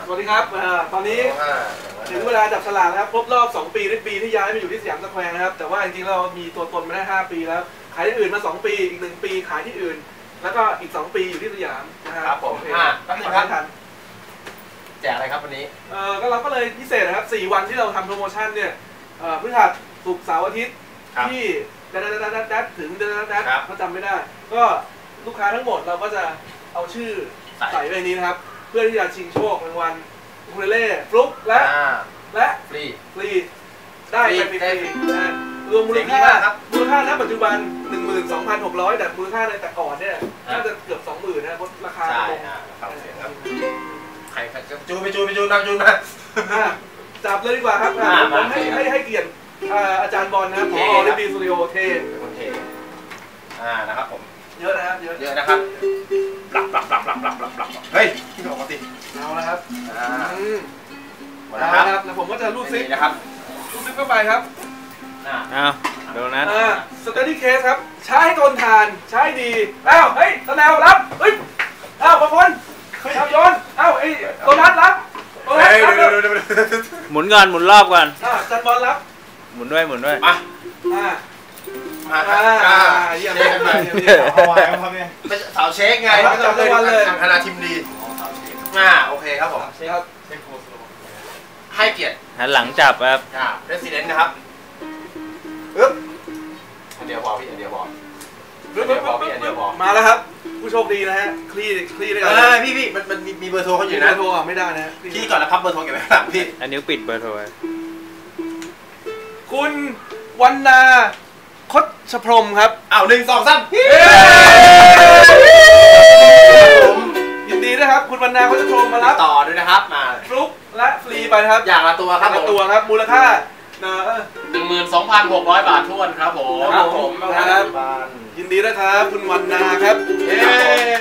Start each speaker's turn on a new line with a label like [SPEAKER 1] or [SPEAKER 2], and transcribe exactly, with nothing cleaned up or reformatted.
[SPEAKER 1] วัสดีครับตอนนี้ถึงเวลาจับฉลากแล้วครบรอบสองปีที่ปีที่ย้ายมาอยู่ที่สยามสแควร์นะครับแต่ว่าจริงๆเรามีตัวตนมาได้ห้าปีแล้วขายที่อื่นมาสองปีอีกหนึ่งปีขายที่อื่นแล้วก็อีกสองปีอยู่ที่สยามนะครับ
[SPEAKER 2] ผมอ่าตั้งแต่ทันแจกอะไรครับวันนี้
[SPEAKER 1] เออก็เราก็เลยพิเศษนะครับสี่วันที่เราทำโปรโมชั่นเนี่ยพฤหัสศุกร์เสาร์อาทิตย์ที่ดัดดัดดัดดัดถึงดัดดัดดัดเขาจำไม่ได้ก็ลูกค้าทั้งหมดเราก็จะเอาชื่อใส่ไว้ในนี้นะครับเพื่อที่จะชิงโชครางวัลอูคูเลเล่ฟลุ๊กและและ
[SPEAKER 2] ฟรี
[SPEAKER 1] ฟรีได้ไปฟรีนะรวมมูลค่ามูลค่าณปัจจุบัน หนึ่งหมื่นสองพันหกร้อย แต่มูลค่าในแต่ก่อนเนี่ยน่าจะเกือบ สองหมื่น นะเพราะราคาตรง
[SPEAKER 2] ใครจูไปจูไปจูนะจูนะ
[SPEAKER 1] จับเลยดีกว่าครับผมให้ให้ให้เกียรติอาจารย์บอลนะครับผอลิบีสตูดิโอเท
[SPEAKER 2] เป็นคนเทอ่านะครับผม
[SPEAKER 1] เยอะนะครับเยอะ
[SPEAKER 2] เยอะนะครับปรับปรับปรับปรับปรับปรับปรับเฮ้ยพี่บอกมาสิ
[SPEAKER 1] เอาละครับ
[SPEAKER 2] อ่า
[SPEAKER 1] หมดแล้วครับแล้วผมก็จะรูดซิป
[SPEAKER 2] นะครับ
[SPEAKER 1] รูดซิปเข้าไปครับ
[SPEAKER 3] อ้าวโดนัท
[SPEAKER 1] อ่าสเตดี้เคสครับใช้ให้ทนทานใช้ดีอ้าวเฮ้ยตะแนวรับเฮ้ยอ้าวประพลอ้าวโยนอ้าวไอ้โดนัทรับโดนัทรับ
[SPEAKER 3] หมุนก่อนหมุนรอบก่อน
[SPEAKER 1] อ่าจันบอลรับ
[SPEAKER 3] หมุนด้วยหมุนด้วย
[SPEAKER 2] มา
[SPEAKER 1] อ่า
[SPEAKER 2] มา
[SPEAKER 1] อ่าเยี่ยมเลย
[SPEAKER 2] เอาไว้ครับเนี่ยเป็นสาวเช็คไง
[SPEAKER 1] ไม่ต้องเลย
[SPEAKER 2] คณะทีมดีอ่าโอเคครับผมให้เกียรติ
[SPEAKER 3] หันหลังจับครับ
[SPEAKER 2] อ่าเรสซิเดนต์นะครับปึ๊บอันเดียวพอพี่อันเดียวพออันเดียวพอพี่อันเดียวพอ
[SPEAKER 1] มาแล้วครับผู้โชคดีนะฮะคลี่คลี่ได้
[SPEAKER 2] กันพี่พี่มันมันมีเบอร์โทรเขาอยู่นะ
[SPEAKER 1] เบอร์โทรไม่ได้นะ
[SPEAKER 2] พี่ก่อนแล้วพับเบอร์โทรเก็บไว้หลังพี่
[SPEAKER 3] อันนี้ปิดเบอร์โทร
[SPEAKER 1] คุณวรรณาคชพรหมครับ
[SPEAKER 2] อ้าวหนึ่งสองสาม
[SPEAKER 1] ยินดีด้วยครับคุณวรรณาคชพรหมมารับ
[SPEAKER 2] ต่อด้วยนะครับมา
[SPEAKER 1] ฟลุ๊กและฟรีไปนะครับ
[SPEAKER 2] อย่างละตัวครับ
[SPEAKER 1] ละตัวครับมูลค่า
[SPEAKER 2] หนึ่งหมื่นสองพันหกร้อยบาททวนครับผม
[SPEAKER 1] ครับผมครับยินดีด้วยครับคุณวรรณาครับ